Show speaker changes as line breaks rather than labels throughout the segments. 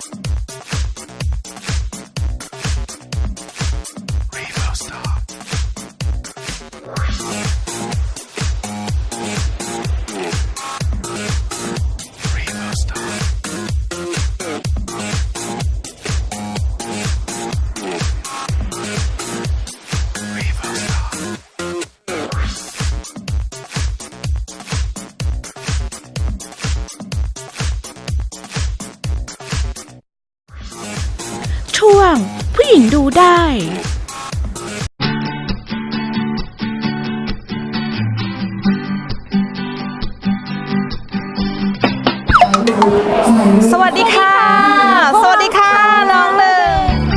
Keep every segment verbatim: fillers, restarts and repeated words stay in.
ช่วงผู้หญิงดูได้
สวัสดีค่ะสวัสดีค่ะน้องหนึ่ง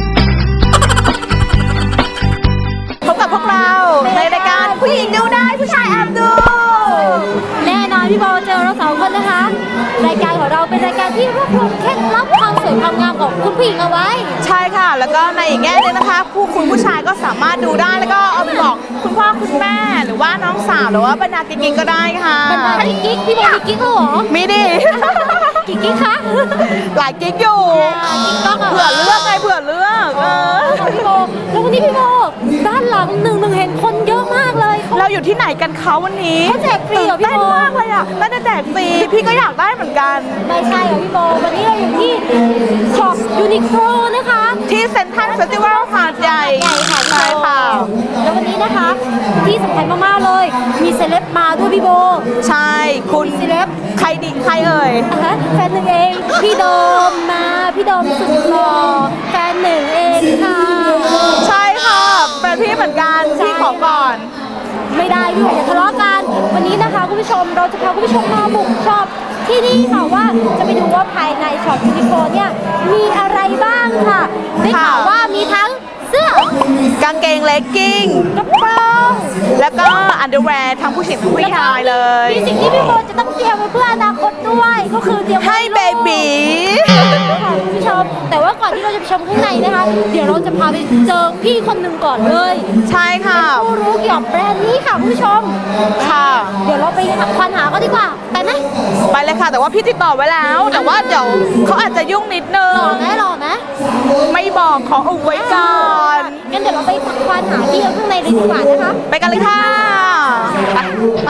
พบกับพวกเราในรายการผู้หญิงดูได้ผู้ชายแอบดู
แน่นอนพี่โบเจอเราสองคนนะคะรายการของเราเป็นรายการที่รวบรวมเคล็ดลับความสวยความงามของคุณผู้หญิงเอาไว้
ใช่ค่ะแล้วก็ในอีกแง่นึงนะคะผู้คุณผู้ชายก็สามารถดูได้แล้วก็เอาไปบอกคุณพ่อคุณแม่หรือว่าน้องสาวหรือว่าบรรดากิ๊กๆก็ได้ค่ะ
บรรดากิ๊กๆพี่โบมีกิ๊กเหรอ
มีดิ
กิ๊กกิ๊กคะ
หลายกิ๊กอยู่
กิ๊กก็
เผื่อเลือกไงเผื่อเลือกเออ
พี่โบแล้ววันนี้พี่โบด้านหลังหนึ่งหนึ่งเห็นคนเยอะมากเลย
เราอยู่ที่ไหนกันเขาวันนี้
เขาแจกฟรีเหรอพี่โบ
เต้นมากเลยอ่ะน่าจะแจกฟรีพี่ก็อยากได้เหมือนกัน
ไม่ใช่เหรอพี่โบวันนี้เราอยู่ที่ช็อปยูนิโคลนะคะ
ที่เซ็นทรัลเฟสติวัลหาดใหญ่
ใช่ค่ะแล้ววันนี้นะคะที่สำคัญมากๆเลยมีเซเลบมาด้วยพี่โบ
ใช่คุณ
เซเลบ
ใครดิใครเอ่ย
แฟนหนึ่งเองพี่โดมมาพี่โดมสุดหล่อแฟนหนึ่งเองค่ะ
ใช่ค่ะแฟนพี่เหมือนกันพี่ขอก่อน
ไม่ได้พี่อย่าทะเลาะกันวันนี้นะคะคุณผู้ชมเราจะพาคุณผู้ชมมาบุกช็อปที่นี่ค่ะว่าจะไปดูว่าภายในช็อปยูนิโคลเนี่ยมีอะไรบ้างค่ะได้ข่าวว่ามีทั้งเสื้
อกางเกงเลกกิ้ง
กระโปรง
แล้วก็อันเดอร์แวร์ทั้งผู้หญิงทั้งผู้ชายเลย
มีสิ่งที่พี่โบจะต้องเตรียมไว้เพื่ออนาคตด้วยก็คือเตรียม
ให้เบบี
ค่ะคุณผู้ชมแต่ว่าก่อนที่เราจะไปชมข้างในนะคะเดี๋ยวเราจะพาไปเจอพี่คนหนึ่งก่อนเลย
ใช่ค่ะ
ผู้รู้เกี่ยวกับแบรนด์นี้ค่ะคุณผู้ชม
ค่ะ
เดี๋ยวเราไปควานหาเขาดีกว่าไปไหม
ไปเลยค่ะแต่ว่าพี่ติดต่อไว้แล้วแต่ว่าเดี๋ยวเขาอาจจะยุ่งนิดนึง
หล่อไหมหล่อไหม
ไม่บอกขออุบไว้ก่อน
งั้นเดี๋ยวเราไปควานหาพี่ข้างในเลยดีกว่านะคะ
ไปกันเลยค่ะไปไป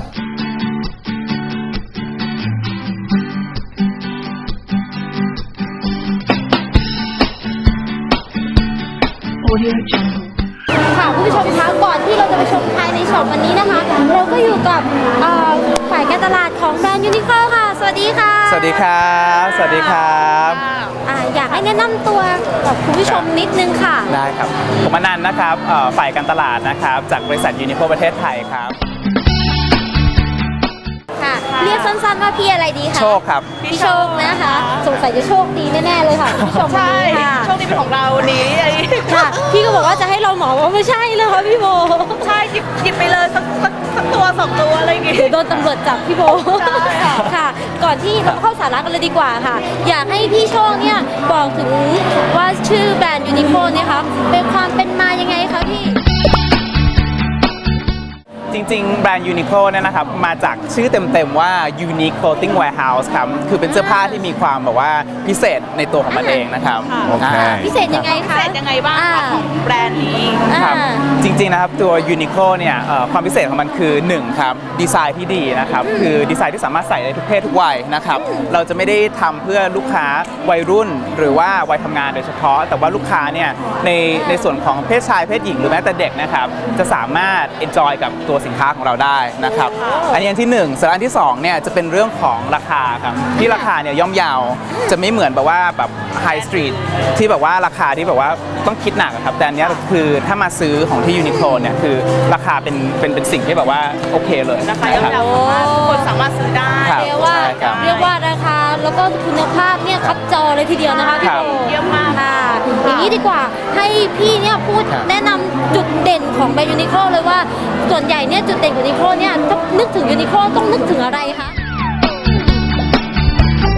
ค่ะคุณผู้ชมคะก่อนที่เราจะไปชมภายในช็อปวันนี้นะคะเราก็อยู่กับฝ่ายการตลาดของแบรนด์ยูนิโคลค่ะสวัสดีค่ะ
สวัสดีครับสวัสดีครับ
อยากให้แนะนำตัวกับคุณผู้ชมนิดนึงค่ะ
ได้ครับผมอนันต์นะครับฝ่ายการตลาดนะครับจากบริษัทยูนิโคลประเทศไทยครับ
ค่ะเรียกสั้นๆว่าพี่อะไรดีคะ
โชคครับ
พี่โชคนะคะสงสัยจะโชคดีแน่ๆเลยค่ะพี่โชค
ใช่โชคดีเป็นของเรานี้
ค่ะพี่ก็บอกว่าจะให้เราหมอว่าไม่ใช่เลยค่ะพี่โบ
ใช่หยิบหยิบไปเลยสักสักสักตัวสองตัวอะไรอย่างงี้
เดี๋ยวโดนตำรวจจับพี่โบค่ะก่อนที่เราเข้าสาระกันเลยดีกว่าค่ะอยากให้พี่โชคเนี่ยบอกถึงว่าชื่อแบรนด์ยูนิโคลเนี่ยค่ะเป็นความเป็นมายังไงคะพี่
จริงๆแบรนด์ยูนิโคลเนี่ยนะครับมาจากชื่อเต็มๆว่า Unique Clothing Warehouse ครับคือเป็นเสื้อผ้าที่มีความแบบว่าพิเศษในตัวของมันเองนะครับ
โอเค
พิเศษยังไงคะ
พิเศษยังไงบ้างของแบรนด์นี้
ครับจริงๆนะครับตัว Uniqlo เนี่ยความพิเศษของมันคือหนึ่งครับดีไซน์ที่ดีนะครับคือดีไซน์ที่สามารถใส่ได้ทุกเพศทุกวัยนะครับเราจะไม่ได้ทำเพื่อลูกค้าวัยรุ่นหรือว่าวัยทำงานโดยเฉพาะแต่ว่าลูกค้าเนี่ยในในส่วนของเพศชายเพศหญิงหรือแม้แต่เด็กนะครับจะสามารถ enjoy กับตัวสินค้าของเราได้นะครับอันนี้อันที่หนึ่งส่วนอันที่สองเนี่ยจะเป็นเรื่องของราคาครับที่ราคาเนี่ยย่อมเยาวจะไม่เหมือนแบบว่าแบบไฮสตรีทที่แบบว่าราคาที่แบบว่าต้องคิดหนักครับแต่อันนี้คือถ้ามาซื้อของที่ยูนิโคลเนี่ยคือราคาเป็นเป็นเป็นสิ่งที่แบบว่าโอเคเลย
ราคาย่อมเยาวทุกคนสามารถซื้อได้
เรียกว่าเรียกว่าราคาแล้วก็คุณภาพเนี่ยคับจอเลยทีเดียวนะคะพี่โบ
เยี่ยมมาก
ค่ะอย่างนี้ดีกว่าให้พี่เนี่ยพูดแนะนำจุดเด่นของแบรนด์ยูนิโคลเลยว่าส่วนใหญ่เนี่ยจุดเด่นของยูนิโคลเนี่ยต้องนึกถึงยูนิโคลต้องนึกถึงอะไรคะ
ที่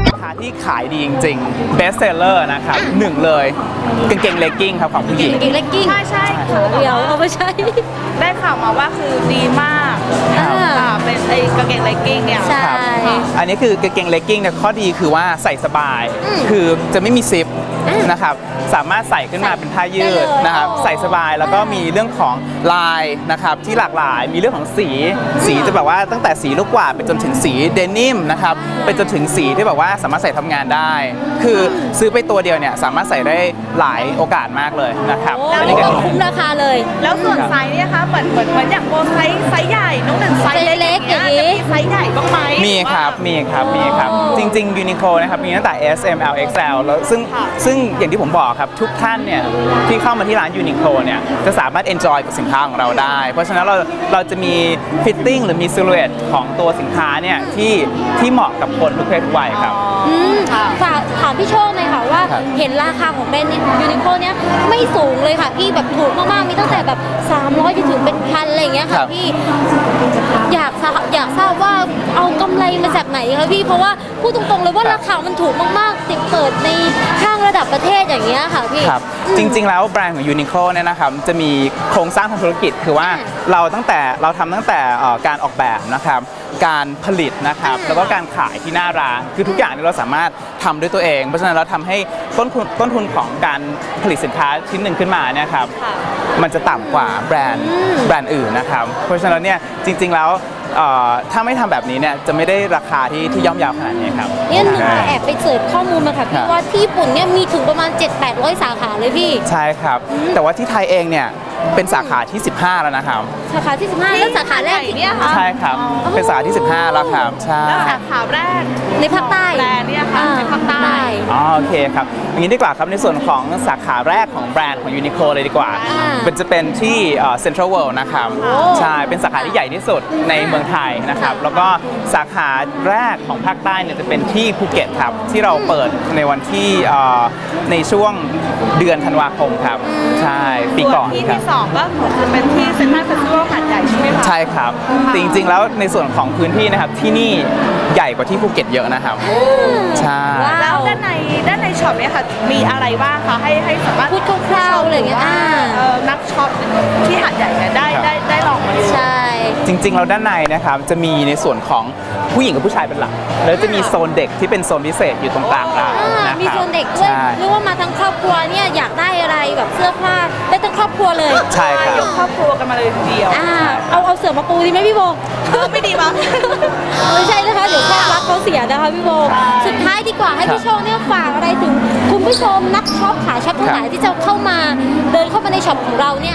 ที่ขายดีจริงๆ best seller นะครับหนึ่งเลยกางเกงเลกกิ้งครับของผู้หญิง
กางเกงเลกกิ้ง
ใช่ใช่ๆค่ะ
เดี๋ยวเอาไปใช้
ได้ข่าวมาว่าคือดีมาก
อ่า
ค่ะเป็นไอ้กางเกงเลกกิ้งเนี่ย
ใช่
ครับอันนี้คือกางเกงเลกกิ้งเนี่ยข้อดีคือว่าใส่สบาย
อืม
คือจะไม่มีซิป
อืม
นะครับสามารถใส่ขึ้นมาเป็นผ้ายื
ได้
ด
เลย
นะครับ
โอ้
ใส่สบายแล้วก็มีเรื่องของลายนะครับที่หลากหลายมีเรื่องของสีสีจะแบบว่าตั้งแต่สีลูกกวาดไปจนถึงสีเดนิมนะครับไปจนถึงสีที่แบบว่าสามารถใส่ทำงานได้ คือซื้อไปตัวเดียวเนี่ยสามารถใส่ได้หลายโอกาสมากเลยนะครับ
โอ้
อัน
นี่
นี้ก็
ก็คุ้มราคาเลย
แล้วส่วนไซส์เนี่ยคะเหมือนเหมือนเหมือนอย่างโบไซส์ไซส์ใหญ่น้องหนึ่งไซส์เล็กอย่างเงี้ย
ไซส์เล็กอย่างงี้
จะมีไซส์ใหญ่บ้างไหม
มีครับ มีครับ มีครับ จริงๆ Uniqlo นะครับ มีตั้งแต่ S M L X L แล้วซึ่ง
ค่ะ
ซึ่งอย่างที่ผมบอกครับ ทุกท่านเนี่ย ที่เข้ามาที่ร้าน Uniqlo เนี่ย จะสามารถ enjoy กับสินค้าของเราได้ เพราะฉะนั้นเราเราจะมี fitting หรือมี silhouette ของตัวสินค้าเนี่ย ที่ที่เหมาะกับคนทุกเพศทุกวัยครับ
อืม
ค่ะ
ฝากถามพี่โชคหน่อยค่ะว่า
ครับ
เห็นราคาของแบรนด์ยูนิโคเนี่ยไม่สูงเลยค่ะพี่แบบถูกมากๆมีตั้งแต่แบบสามร้อยจนถึงเป็นพันอะไรอย่างเงี้ย
ครั
ค่ะ
บ
พี่อยากทราบอยากทราบว่าเอากำไรมาจากไหนคะพี่เพราะว่าพูดตรงๆเลยว่าราคามันถูกมากๆติดเปิดในห้างระดับประเทศอย่างเงี้ยค่ะพี่
ครับ จริงๆ แล้วแบรนด์ของ Uniqlo เนี่ยนะครับ จะมีโครงสร้างทางธุรกิจ คือว่า
อ่า
เราตั้งแต่เราทำตั้งแต่เอ่อการออกแบบนะครับ การผลิตนะครับ
อ่า
แล้วก็การขายที่หน้าร้าน คือทุกอย่างเนี่ยเราสามารถทำด้วยตัวเอง เพราะฉะนั้นเราทำให้ต้นทุนต้นทุนของการผลิตสินค้าชิ้นหนึ่งขึ้นมาเนี่ยครับ
ค่ะ
มันจะต่ำกว่าแบรนด์
อืม
แบรนด์อื่นนะครับ เพราะฉะนั้นเนี่ยจริงๆ แล้วเอ่อถ้าไม่ทำแบบนี้เนี่ยจะไม่ได้ราคาที่ที่ย่อมเยาวขนาดนี้ครับ
เนี่ยหนึ่งแอบไปเสิร์ชข้อมูลมาค่ะ
ครั
พี่
บ
ว่าที่ญี่ปุ่นเนี่ยมีถึงประมาณ เจ็ดแปดร้อย สาขาเลยพี่
ใช่ครับ แต่ว่าที่ไทยเองเนี่ยเป็นสาขาที่ สิบห้า แล้วนะครับ
สาขาที่สิบห้าแล้วสาขาแรก
ที่ไหนเนี่ยคะ
ใช่ครับ เป็นสาขาที่ สิบห้า แล้วครับ ใช่
แล้วสาขาแรก
ในภาคใต้
แบรนด์เนี่ยค่ะในภาคใต้
อ๋อโอเคครับอย่างนี้ดีกว่าครับในส่วนของสาขาแรกของแบรนด์ของ Uniqlo เลยดีกว่า
อ่า
เป็นจะเป็นที่เซ็นทรัลเวิลด์นะครับ
โอ้
ใช่เป็นสาขาที่ใหญ่ที่สุดในเมืองไทยนะครับ
ค่ะ
แล้วก็สาขาแรกของภาคใต้เนี่ยจะเป็นที่ภูเก็ตครับที่เราเปิดในวันที่เอ่อในช่วงเดือนธันวาคมครับใช่ปีก่อน
ส่วนที่
ครับ
ที่สองก็คือเป็นที่เซ็นทรัลเฟสติวัลหาดใหญ่ใช่ไหมคะ
ใช่ครับ
ค่ะ
จริงๆแล้วในส่วนของพื้นที่นะครับที่นี่ใหญ่กว่าที่ภูเก็ตเยอะนะครับใช่
ว้าว
แล้วด้านในด้านในช็อปเนี่ยค่ะมีอะไรบ้างคะให้ให้สามารถ
พูดคร่าวๆอะไรอย่างเงี้ย
ว่า
อ่า
เอ่อนักช็อปที่หาดใหญ่เนี่ยได้
ครับ
ได้ได้ลองมาดู
ใช่
จริงๆแล้วด้านในนะครับจะมีในส่วนของผู้หญิงกับผู้ชายเป็นหลัก แล้วจะมีโซนเด็กที่เป็นโซนพิเศษอยู่ตรงกลางร้าน
อ่า
นะครับ
มีโซนเด็กด้วย
ใช่
หรือว่ามาทั้งครอบครัวเนี่ยอยากได้อะไรแบบเสื้อผ้าได้ทั้งครอบครัวเลย
ใช่ครับ
ยกครอบครัวกันมาเลยทีเดียว
อ่าเอาเอาเสือมาปูดีไหมพี่โบ
เออไม่ดีมั้ง
ไม่ใช่นะคะเดี๋ยวความรักเขาเสียนะคะพี่โบ
ใช่
สุดท้ายดีกว่าให้พี่โชคเนี่ยฝากอะไรถึงคุณผู้ชมนักช็อปขาช็อปทั้งหลายที่จะเข้ามาเดินเข้ามาในช็อปของเราเนี่ย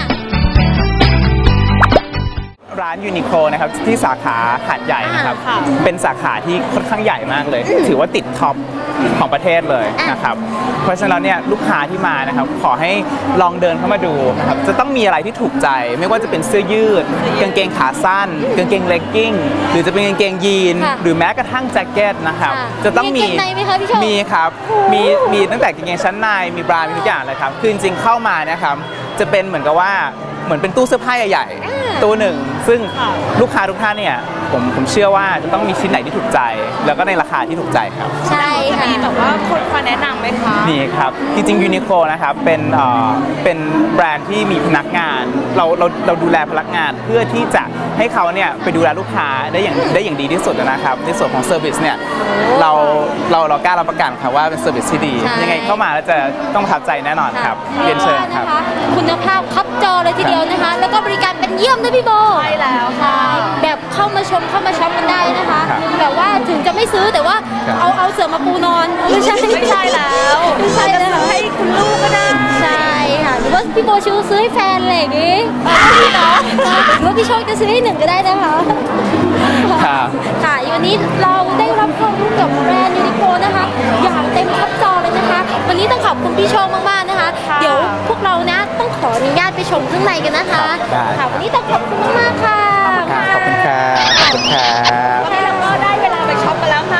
ร้านยูนิโคลนะครับที่สาขาหาดใหญ่นะครับ
อ่าค่ะ
เป็นสาขาที่ค่อนข้างใหญ่มากเลย ถือว่าติดท็อปของประเทศเลยนะครับเพราะฉะนั้นเนี่ยลูกค้าที่มานะครับขอให้ลองเดินเข้ามาดูนะครับจะต้องมีอะไรที่ถูกใจ ไม่ว่าจะเป็นเสื้อยืด กางเกงขาสั้น กางเกงเลกกิ้งหรือจะเป็นกางเกงยีน
ค่ะ
หรือแม้กระทั่งแจ็คเก็ตนะครับ
ค่ะ
จะต้องมี
มีกางเกงในไหมคะพี่โชค
มีครับ
โอ้โห
มีมีตั้งแต่กางเกงชั้นในมีบรา มีทุกอย่างเลยครับคือจริงๆเข้ามานะครับจะเป็นเหมือนกับว่าเหมือนเป็นตู้เสื้อผ้าใหญ่
อ่า
ๆตู้หนึ่งซึ่ง
ค่ะ
ลูกค้าทุกท่านเนี่ยผมผมเชื่อว่าจะต้องมีชิ้นไหนที่ถูกใจ แล้วก็ในราคาที่ถูกใจครับ
ใช่ค่ะ
มีแบบว่าคนมาแนะนำไหมคะ
นี่ครับ จริงๆยูนิโคลนะครับเป็นเอ่อเป็นแบรนด์ที่มีพนักงาน เราเราเราดูแลพนักงานเพื่อที่จะให้เขาเนี่ยไปดูแลลูกค้าได้อย่างได้อย่างดีที่สุดนะครับในส่วนของเซอร์วิสเนี่ยเราเราเรากล้ารับประกันครับว่าเป็นเซอร์วิสที่ดี
ใช่
ยังไงเข้ามาแล้วจะต้องประทับใจแน่นอนครับเรียนเชิญครับ
ว่านะคะคุณภาพคับจอเลยทีเดียวนะคะ แล้วก็บริการเป็นเยี่ยมด้วยพี่โบ
ใช่แล้วค่ะ
แบบเข้ามาชมเข้ามาช็อปกันได้นะคะ
ครับ
แบบว่าถึงจะไม่ซื้อแต่ว่า
ครับ
เอาเอาเสือมาปูนอนไม่ใช่
ไม่ใช่แล้ว
ไม่ใช่
จะ
แล้ว
ซื้อให้คุณลูกก็ได้
ใช่ค่ะหรือว่าพี่โบชื่อซื้อให้แฟนอะไรอย่างงี้
พี่เนาะ
หรือว่าพี่โชคจะซื้อให้หนึ่งก็ได้นะคะ
ครับ
ค่ะวันนี้เราได้รับความรู้เกี่ยวกับแบรนด์ยูนิโคนะคะ อย่างเต็มคับจอเลยนะคะ วันนี้ต้องขอบคุณพี่โชคมากๆนะคะ
ค่ะ
เดี๋ยวพวกเรานะต้องขออนุญาตไปชมข้างในกันนะคะ
ได้
ค่ะวันนี้ต้องขอบคุณมากๆค่ะ
ครับขอบคุณครับขอบคุณครับ
วันนี้เราก็ได้เวลาไปช็อปกันแล้วค่ะ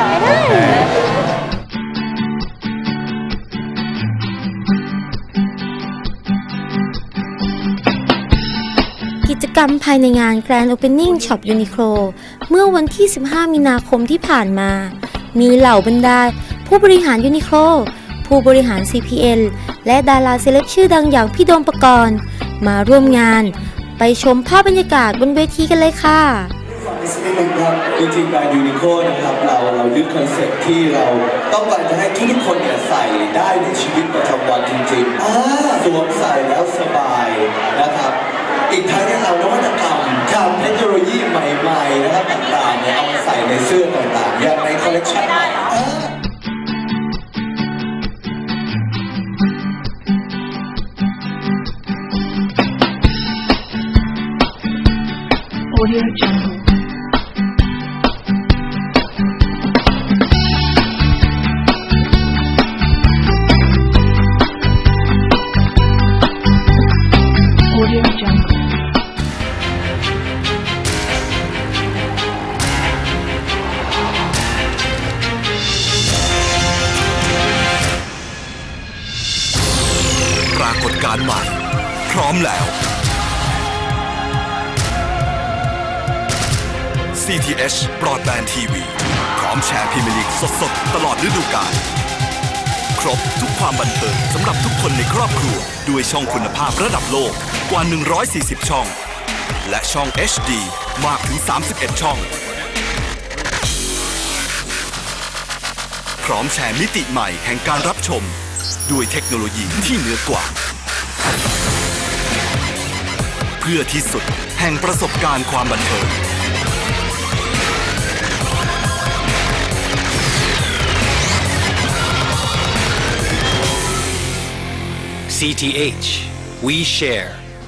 กิจกรรมภายในงาน Grand Opening Shop Uniqlo เมื่อวันที่ สิบห้า มีนาคมที่ผ่านมา มีเหล่าบรรดาผู้ผู้บริหารยูนิโคลผู้บริหาร ซี พี แอล และดาราเซเลบชื่อดังอย่างพี่โดมปกรณ์มาร่วมงานไปชมภาพบรรยากาศบนเวทีกันเลยค่ะ
นิดนึงครับจริงๆแบรนด์ยูนิโคนะครับเราเรายึดคอนเซ็ปต์ที่เราต้องการจะให้ทุกๆคนเนี่ยใส่ได้ในชีวิตประจำวันจริงๆสวมใส่แล้วสบายนะครับอีกทั้งเนี่ยเรานวัตกรรมทำเทคโนโลยีใหม่ๆนะครับต่างๆเนี่ยเอามาใส่ในเสื้อต่างๆอย่างในคอลเลคชันใหม่
Audio Jungle. Audio Jungle.
ปรากฏการณ์ใหม่พร้อมแล้ว ซี ที เอช Broadband ที วี พร้อมแชร์พรีเมียร์ลีกสดๆตลอดฤดูกาลครบทุกความบันเทิงสำหรับทุกคนในครอบครัวด้วยช่องคุณภาพระดับโลกกว่าหนึ่งร้อยสี่สิบช่องและช่อง เอช ดี มากถึงสามสิบเอ็ดช่องพร้อมแชร์มิติใหม่แห่งการรับชมด้วยเทคโนโลยีที่เหนือกว่าเพื่อที่สุดแห่งประสบการณ์ความบันเทิง
ซี ที เอช We Share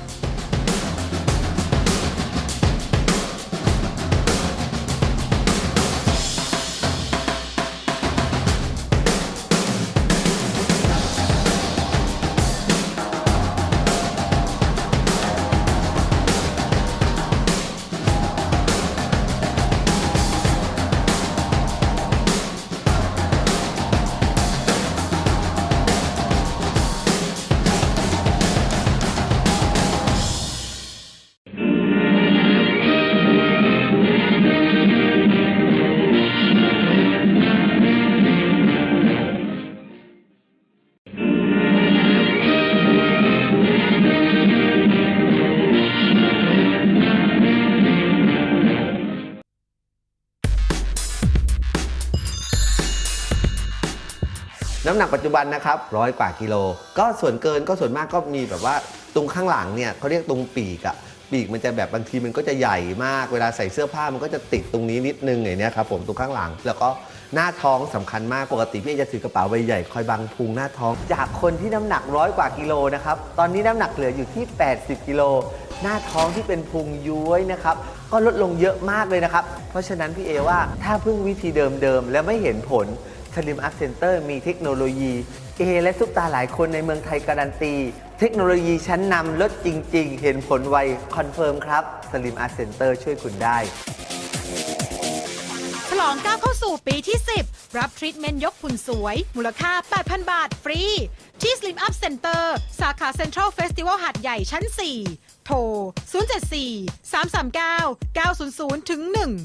น้ำหนักปัจจุบันนะครับร้อยกว่ากิโลก็ส่วนเกินก็ส่วนมากก็มีแบบว่าตรงข้างหลังเนี่ยเขาเรียกตรงปีกอะปีกมันจะแบบบางทีมันก็จะใหญ่มากเวลาใส่เสื้อผ้ามันก็จะติดตรงนี้นิดนึงอย่างนี้ครับผมตรงข้างหลังแล้วก็หน้าท้องสำคัญมากปกติพี่จะถือกระเป๋าใบใหญ่คอยบังพุงหน้าท้องจากคนที่น้ำหนักร้อยกว่ากิโลนะครับตอนนี้น้ำหนักเหลืออยู่ที่แปดสิบกิโลหน้าท้องที่เป็นพุงย้วยนะครับก็ลดลงเยอะมากเลยนะครับเพราะฉะนั้นพี่เอว่าถ้าพึ่งวิธีเดิมๆแล้วไม่เห็นผลSlim Up Center มีเทคโนโลยีเอและซุปตาหลายคนในเมืองไทยการันตีเทคโนโลยีชั้นนำลดจริงๆเห็นผลไวคอนเฟิร์มครับ Slim Up Center ช่วยคุณได้
ฉลองก้าวเข้าสู่ปีที่สิบรับทรีทเมนต์ยกหุ่นสวยมูลค่า แปดพัน บาทฟรีที่ Slim Up Center สาขา Central Festival หาดใหญ่ชั้น สี่ โทร ศูนย์ เจ็ด สี่ สาม สาม เก้า เก้า ศูนย์ ศูนย์ ถึง หนึ่ง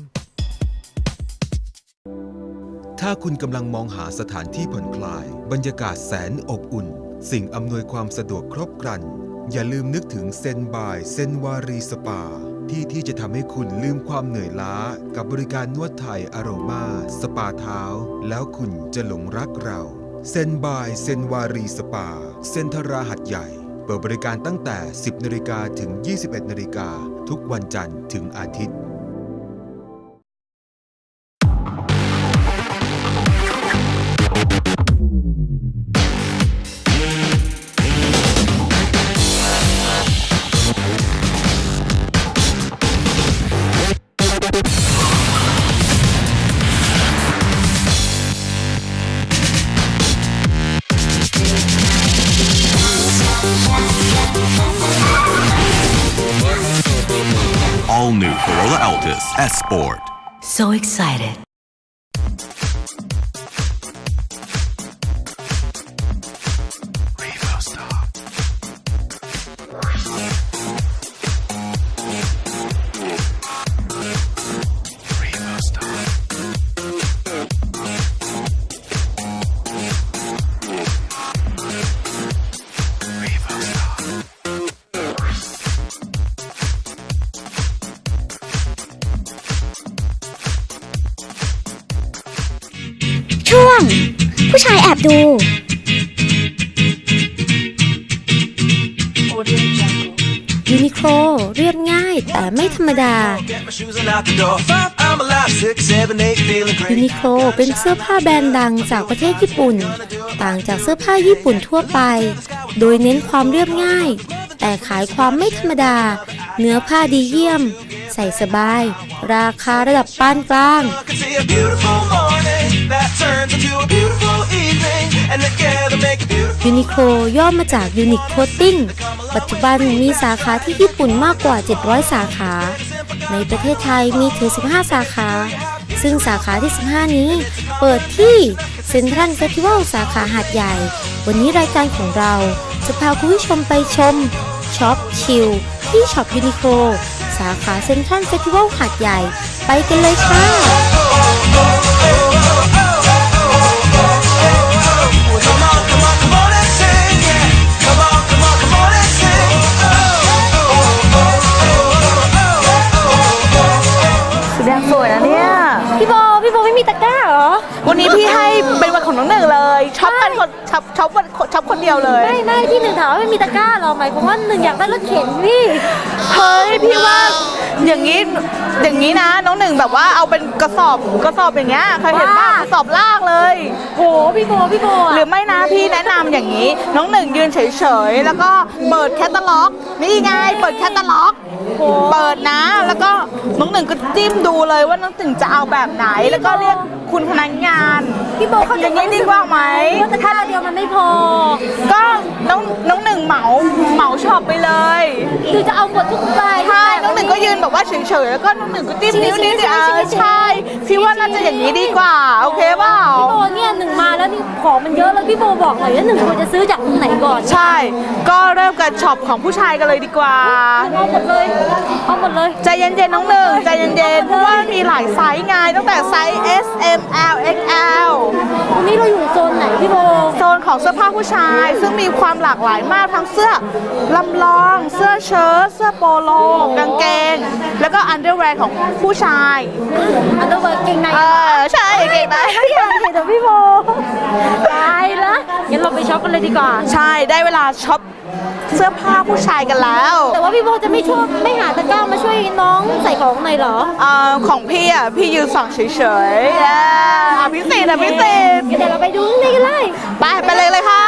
ถ้าคุณกำลังมองหาสถานที่ผ่อนคลายบรรยากาศแสนอบอุ่นสิ่งอำนวยความสะดวกครบครันอย่าลืมนึกถึงเซนบายเซนวารีสปาที่ที่จะทำให้คุณลืมความเหนื่อยล้ากับบริการนวดไทยอโรมาสปาเท้าแล้วคุณจะหลงรักเราเซนบายเซนวารีสปาเซ็นทราหัดใหญ่เปิดบริการตั้งแต่ สิบนาฬิกา ถึง ยี่สิบเอ็ดนาฬิกา ทุกวันจันทร์ถึงอาทิตย์
All new Corolla Altis S Sport.
So excited.
ดู ยูนิโคลเรียบง่ายแต่ไม่ธรรมดา ยูนิโคลเป็นเสื้อผ้าแบรนด์ดังจากประเทศญี่ปุ่น ต่างจากเสื้อผ้าญี่ปุ่นทั่วไป โดยเน้นความเรียบง่าย แต่ขายความไม่ธรรมดา เนื้อผ้าดีเยี่ยม ใส่สบาย ราคาระดับปานกลาง ยูนิโคลย่อมาจากยูนิคโคตติ้ง ปัจจุบันมีสาขาที่ญี่ปุ่นมากกว่า เจ็ดร้อย สาขา ในประเทศไทยมีถึง สิบห้า สาขา ซึ่งสาขาที่ สิบห้า นี้ เปิดที่เซ็นทรัลเฟสติวัลสาขาหาดใหญ่ วันนี้รายการของเราจะพาคุณผู้ชมไปชมช็อปชิลที่ช็อปยูนิโคลสาขาเซ็นทรัลเฟสติวัลหาดใหญ่ไปกันเลยค่ะ
สีแดงสวยนะเนี่ย
พี่โบพี่โบไม่มีตะกร้าเหรอ
วันนี้พี่ให้เป็นวันของน้องหนึ่งเลยช็อปกันคนช็อปช็อปวันช็อปคนเดียวเลย
ไม่ไม่ที่หนึ่งถามว่าไม่มีตะกร้าเหรอหมายความว่าหนึ่งอยากได้รถเข็นพี่
เฮ้ยพี่ว่าอย่างนี้อย่างนี้นะน้องหนึ่งแบบว่าเอาเป็นกระสอบกระสอบอย่างเงี้ยเคยเห็นป่ะกระสอบลากเลย
โหพี่โบพี่โบ
หรือไม่นะพี่แนะนำอย่างนี้ น้องหนึ่งยืนเฉยๆแล้วก็เปิดแคตตาล็อกนี่ไงเปิดแคตตาล็อกเปิดนะแล้วก็น้องหนึ่งก็จิ้มดูเลยว่าน้องหนึ่งจะเอาแบบไหนแล้วก็เรียกคุณพนักงาน
พี่โบเขา
อย่างนี้ดีกว่าไหม
ตะกร้าเดียวมันไม่พอ
ก็น้องน้องหนึ่งเหมาเหมาช็อปไปเลย
คือจะเอาหมดทุกใบ
ใช่น้องหนึ่งก็ยืนแบบว่าเฉยๆแล้วก็น้องหนึ่งก็จิ้มนิ้วนิ้วเออใช่พี่ว่าน่าจะอย่างนี้ดีกว่าโอเคเปล่า
พี่โบเนี่ยหนึ่งมาแล้วนี่ของมันเยอะแล้วพี่โบบอกหน่อยว่าหนึ่งควรจะซื้อจากตรงไหนก่อน
ใช่ก็เริ่มกันช็อปของผู้ชายกันเลยดีกว่า
เอาหมดเลยเอาหมดเลย
ใจเย็นๆน้องหนึ่งใจเย็นๆเพราะว่ามีหลายไซส์ไงตั้งแต่ไซส์ S M L X L
วันนี้เราอยู่โซนไหนพี่โบ
โซนของเสื้อผ้าผู้ชายซึ่งมีความหลากหลายมากทั้งเสื้อลำลองเสื้อเชิ้ตเสื้อโปโลกางเกงแล้วก็อันเดอร์แวร์ของผู้ชาย
อันเดอร์แวร์เกงใน
เออใช่เกงใน
ไม่อยากเห็นแต่พี่โบตายละงั้นเราไปช็อปกันเลยดีกว่า
ใช่ได้เวลาช็อปเสื้อผ้าผู้ชายกันแล้ว
แต่ว่าพี่โบจะไม่ช่วยไม่หาตะกร้ามาช่วยน้องใส่ของหน่อยเหรอ
อ่าของพี่อ่ะพี่ยืนส่องเฉยๆอ่าพิเศษอ่ะพิเศษ
เดี๋ยวเราไปดูข้างในกันเลย
ไปไปเลยเลยค่ะ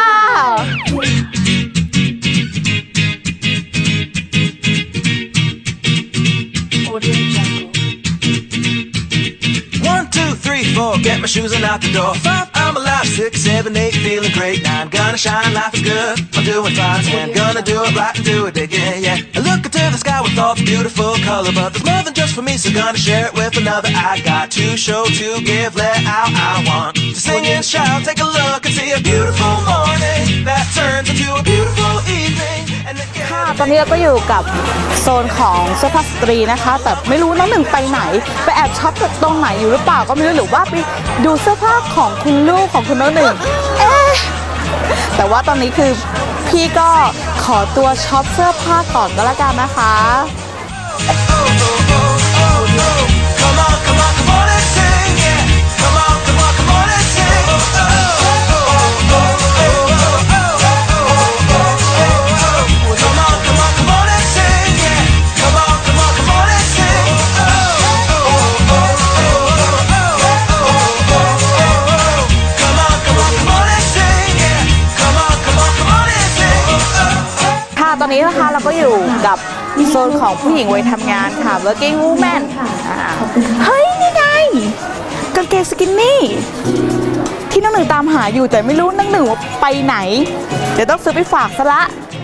Four, get my shoes and out the door. Five, I'm alive. Six, seven, eight, feeling great. Nine, gonna shine, life is good. I'm doing fine. Ten, gonna do it right and do it again, yeah. I look into the sky with all the beautiful color, but there's more than just for me, so gonna share it with another. I got to show, to give, let out. I want to sing and shout. Take a look and see a beautiful morning that turns into a beautiful evening.
ค่ะตอนนี้เราก็อยู่กับโซนของเสื้อผ้าสตรีนะคะแต่ไม่รู้น้องหนึ่งไปไหนไปแอบช็อปตรงไหนอยู่หรือเปล่าก็ไม่รู้หรือว่าไปดูเสื้อผ้าของคุณลูกของคุณน้องหนึ่งเอ๊ะแต่ว่าตอนนี้คือพี่ก็ขอตัวช็อปเสื้อผ้าก่อนก็แล้วกันนะคะตอนนี้นะคะเราก็อยู่กับโซนของผู้หญิงวัยทำงานค่ะ working woman เฮ้ยนี่ไงกางเกงสกินนี่ที่น้องหนึ่งตามหาอยู่แต่ไม่รู้น้องหนึ่งว่าไปไหนเดี๋ยวต้องซื้อไปฝากซะละ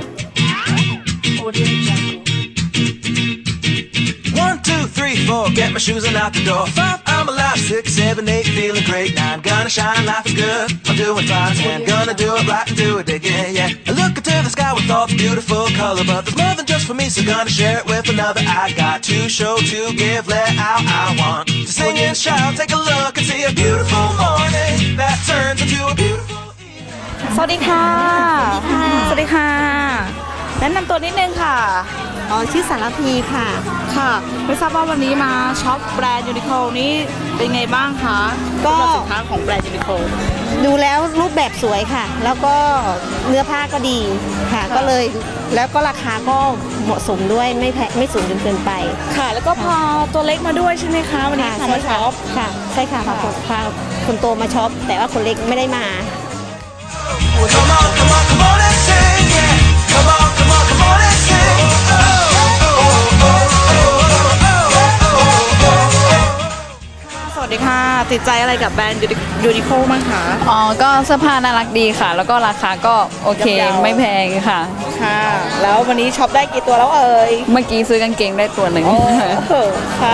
One, two, three, four, get my shoes and out the door. Five, I'm alive. Six, seven, eight, feeling great. Nine, gonna shine, life is good. I'm doing fine. Ten, gonna do it right and do it again, yeah. I look into the sky with all the beautiful color, but there's more than just for me, so gonna share it with another. I got to show, to give, let out. I want to sing and shout. Take a look and see a beautiful morning that turns into a beautiful evening.
สวัสดีค่ะสวัสดีค่ะแนะนำตัวนิดนึงค่ะอ๋อชื่อสารพีค่ะค่ะไม่ทราบว่าวันนี้มาช็อปแบรนด์ยูนิโคลนี้เป็นไงบ้างคะก็สินค้าของแบรนด์ยูนิโคล
ดูแล้วรูปแบบสวยค่ะ แล้วก็เนื้อผ้าก็ดีค่ะ ก็เลยแล้วก็ราคาก็เหมาะสมด้วยไม่แพงไม่สูงจนเกินไป
ค่ะ แล้วก็พาตัวเล็กมาด้วยใช่ไหมคะวันนี้พามาช็อป
ค่ะใช่ค่ะพาคนพาคนโตมาช็อปแต่ว่าคนเล็กไม่ได้มา
Come on, come on, come on and sing, yeah. Come on, come on, come on and sing. Oh, oh, oh, oh, oh, oh.
สวัสดีค่ะติดใจอะไรกับแบรนด์ยูนิโคลบ้างคะ
อ๋อ ก็เสื้อผ้าน่ารักดีค่ะ แล้วก็ราคาก็โอเค
ย่อมเยา
ไม่แพงค่ะ
ค่ะ แล้ววันนี้ช็อปได้กี่ตัวแล้วเอ่ย
เมื่อกี้ซื้อกางเกงได้ตัวหนึ่ง
โอ้โหค่ะ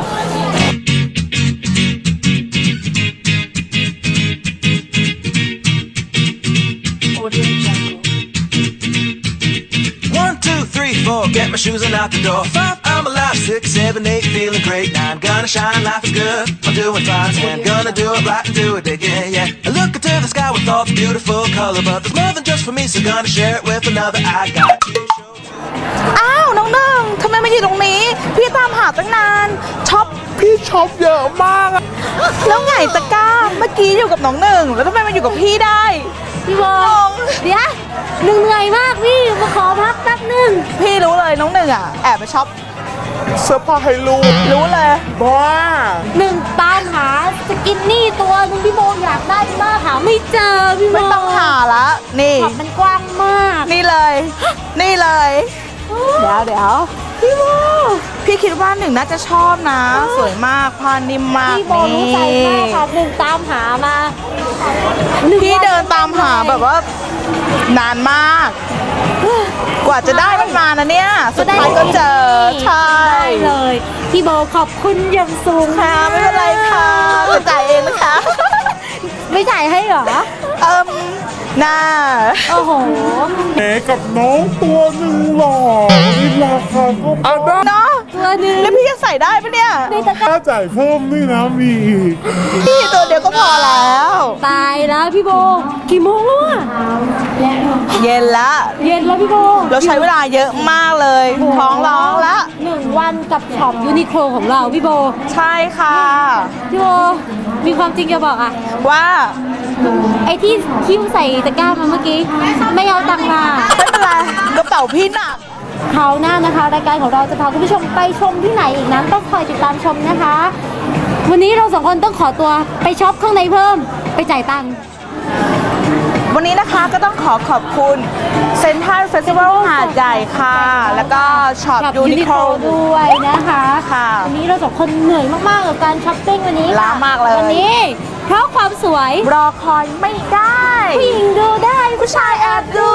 One, two, three, four, get my shoes and out the door. Five, I'm alive. Six, seven, eight, feeling great. Nine, gonna shine, life is good. I'm doing fine. Ten, gonna do it right and do it again, yeah. I look into the sky with all the beautiful color, but there's more than just for me, so gonna share it with another. I got you.
อ้าวน้องหนึ่งทำไมมาอยู่ตรงนี้ พี่ตามหาตั้งนานช็อปพี่ช็อปเยอะมากอะแล้วไงตะกร้าเมื่อกี้อยู่กับน้องหนึ่งแล้วทำไมมาอยู่กับพี่ได้
พี่บอลเดี๋ยวหนึ่งเหนื่อยมากพี่มาขอพักแป๊บหนึง
พี่รู้เลยน้องหนึ่งอ่ะแอบไปช็อปเสื้อผ้าให้ลูกรู้เลยบ้า
หนึ่งตามหาสกินนี่ตัวหนึงพี่โบอยากได้มากหาไม่เจอพี่โบ
ไม่ต้องหาละนี่
ขอบมันกว้างมาก
นี่เลย นี่เลย เดี๋ยวเดี๋ยวพี่โบพี่คิดว่าหนึ่งน่าจะชอบนะ สวยมากผ้านิ่มมาก
พี่โบรู้ใจมากค่ะหนึ่งตามหามา
พี่เดินตามหาแบบว่า นานมาก กว่าจะได้มันมานะเนี่ย สุดท้ายก็เจอ ใช่
ได้เลย พี่โบขอบคุณอย่างสูง
ค่ะไม่เป็นไรค่ะจะจ่ายเองนะคะ
ไม่จ่ายให้เหรอ
เอิ่มน่า
โอ้โห
เอ๋กับน้องตัวหนึ่งหล่อนี่ราคาก็อ่ะได้
เนาะ
ตัวหนึง
แล้วพี่จะใส่ได้ปะเนี่ย
ค่าจ่ายเพิ่มนี่นะมีอีก
พี่ตัวเดียวก็พอแล้ว
ตายแล้วพี่โบกี่โมงแล้วอะ
เย็นละ
เย็นแล้วพี่โบ
เราใช้เวลาเยอะมากเลย ท้องร้องละ
หนึ่งวันกับช็อปยูนิโคลของเราพี่โบ
ใช่ค่ะ
พี่โบมีความจริงจะบอกอะ
ว่า
ไอ้ที่คิ้วใส่ตะกร้ามาเมื่อกี้ไม่เอาตังค์มา
ไม่เป็นไรกระเป๋าพี่หนัก
คราวหน้านะคะรายการของเราจะพาคุณผู้ชมไปชมที่ไหนอีกนั้นต้องคอยติดตามชมนะคะ วันนี้เราสองคนต้องขอตัวไปช็อปข้างในเพิ่มไปจ่ายตังค์
วันนี้นะคะก็ต้องขอขอบคุณเซ็นทรัลเฟสติวัลหาดใหญ่ค่ะ แล้วก็ช็อปยูนิโคล
ด้วยนะคะ
ค่ะ
วันนี้เราสองคนเหนื่อยมากๆกับการช้อปปิ้งวันนี้ค่ะ
ล้ามากเลย
วันนี้เพราะความสวย
รอคอยไม่ได้
ผู้หญิงดูได้
ผู้ชายแอบดู